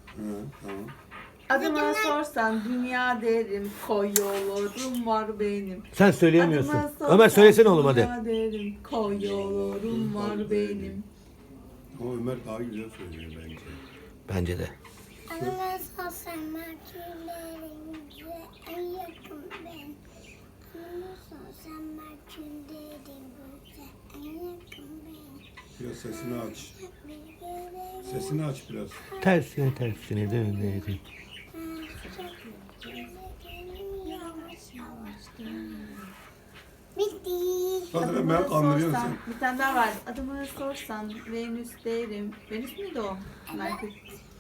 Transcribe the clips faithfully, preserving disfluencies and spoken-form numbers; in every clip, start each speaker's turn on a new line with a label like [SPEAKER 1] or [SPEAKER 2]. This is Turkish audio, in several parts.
[SPEAKER 1] Hı, tamam.
[SPEAKER 2] Adıma sorsan dünya derim, koy yollarım var benim.
[SPEAKER 3] Sen söyleyemiyorsun.
[SPEAKER 2] Adıma sorsan
[SPEAKER 3] Ömer söylesene oğlum hadi.
[SPEAKER 2] dünya derim, koy yollarım var benim.
[SPEAKER 1] Ama Ömer daha güzel söylüyor bence.
[SPEAKER 3] Bence de.
[SPEAKER 4] Adıma sorsan Merkürlerin en yakın ben. Adıma sorsan Merkürlerin en yakın ben.
[SPEAKER 1] Biraz sesini aç. Sesini aç biraz.
[SPEAKER 3] Tersine tersine dönerim.
[SPEAKER 4] Bitti.
[SPEAKER 1] Zaten
[SPEAKER 2] Adımı
[SPEAKER 1] ben kandırıyorum
[SPEAKER 2] sorsan,
[SPEAKER 1] seni.
[SPEAKER 2] bir tane daha var. Adımı sorsan Venüs derim. Venüs müydü o? Merkür.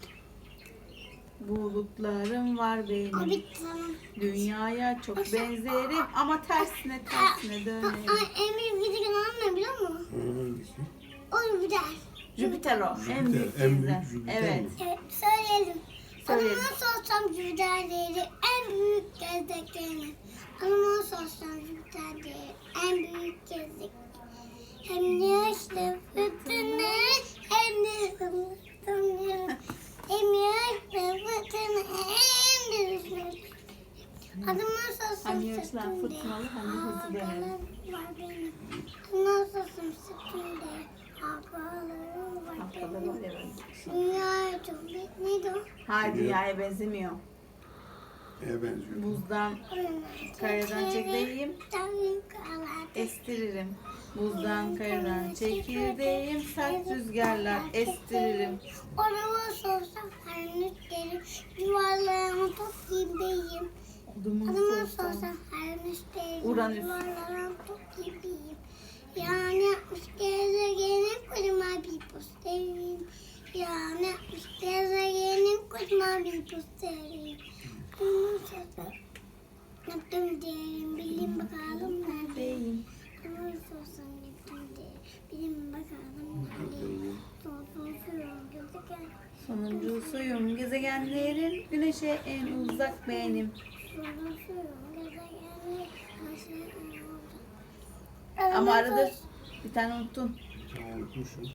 [SPEAKER 2] Bulutlarım var
[SPEAKER 4] O
[SPEAKER 2] benim.
[SPEAKER 4] bitti tamam.
[SPEAKER 2] Dünyaya çok benzerim ama tersine tersine dönerim.
[SPEAKER 4] Ay en büyük gezegen ne biliyor musun?
[SPEAKER 1] Hangisi?
[SPEAKER 4] O Jüpiter.
[SPEAKER 2] Jüpiter o. En
[SPEAKER 1] Jüpiter,
[SPEAKER 2] büyük
[SPEAKER 1] en büyük
[SPEAKER 2] gezegen.
[SPEAKER 1] Jüpiter
[SPEAKER 2] Evet.
[SPEAKER 1] mi?
[SPEAKER 4] Evet söyleyelim.
[SPEAKER 2] Söyleyelim.
[SPEAKER 4] Adıma sorsam Jüpiter değeri en büyük gezegeni. Adıma sorsam Jüpiter değeri en büyük gezegen. Hem yaşlı fırtına hem de fırtına. Hem yaşlı fırtına hem de hızlı. Adıma sorsam
[SPEAKER 2] Hem yaşlı,
[SPEAKER 4] Satürn
[SPEAKER 2] fırtınalı, hem de hızlı
[SPEAKER 4] değeri.
[SPEAKER 2] dönerim.
[SPEAKER 4] Var benim. Adıma sorsam Satürn değeri. Havalarım var
[SPEAKER 2] Haftada
[SPEAKER 4] benim.
[SPEAKER 2] var ya böyle.
[SPEAKER 4] Dünya çok büyük. Neydi o?
[SPEAKER 2] Hayır, dünyaya benzemiyor.
[SPEAKER 1] Neye benziyor?
[SPEAKER 2] Buzdan, kayadan çekirdeğim, estiririm. Buzdan, kayadan çekirdeğim, sert rüzgarlar estiririm.
[SPEAKER 4] Orama sorsam her nüslerim, yuvarlayan top gibiyim.
[SPEAKER 2] Adımı
[SPEAKER 4] Adama
[SPEAKER 2] sorsam.
[SPEAKER 4] sorsam her nüslerim,
[SPEAKER 2] Uranüs.
[SPEAKER 4] yuvarlayan top gibiyim. Yani yapmış gezegenin kocaman bir posterim. Yani yapmış gezegenin kocaman bir posterim. Adama sorsam yaptım diyelim, bilin bakalım neredeyim.
[SPEAKER 2] Deyim.
[SPEAKER 4] Adama sorsam yaptım diyelim, bilin bakalım neredeyim. Sonsuzluğum gezegen.
[SPEAKER 2] Sonuncusuyum gezegenlerin, güneşe en uzak benim.
[SPEAKER 4] Sonsuzluğum gezegenlerin, güneşe en uzak.
[SPEAKER 2] Ama arada bir tane unuttun.
[SPEAKER 1] Tamam, unutmuşum.